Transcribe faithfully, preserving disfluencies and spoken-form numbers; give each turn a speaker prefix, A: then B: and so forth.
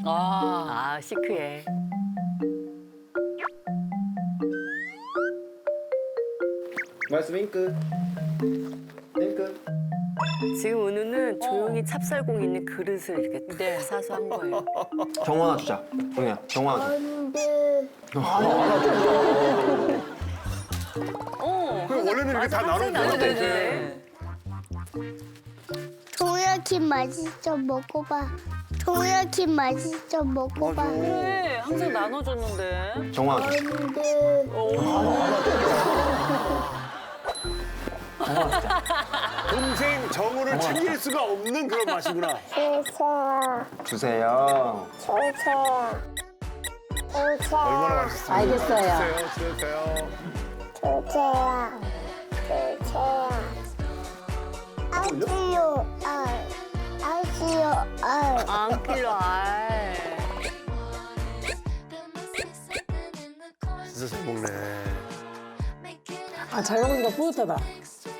A: 아, 아 시크해.
B: 말씀 윙크. 윙크.
A: 지금 은우는 조용히 찹쌀공 있는 그릇을 이렇게 다
C: 네.
A: 사서 한 거예요.
B: 경호 하나 주자. 동이야, 경호 하나 줘.
C: 어.
D: 그 원래는 이렇게 다 나눠줘야 돼.
C: 네네네.
E: 동야키 맛있어 먹어봐. 동야키 맛있어 먹어봐.
C: 그래, 항상 나눠줬는데.
B: 경호 하나 줘.
E: 안돼.
D: 동생 정우를 챙길 수가 없는 그런 맛이구나.
E: 주세요.
B: 주세요.
E: 주세요. 주세요.
D: 얼마나 맛있어.
F: 알겠어요.
D: 주세요, 주세요.
E: 주세요. 주세요. 아시오. 아. 아시오. 아.
A: 안 필요, 알.
D: 진짜 잘 먹네.
F: 아, 잘 먹으니까 뿌듯하다.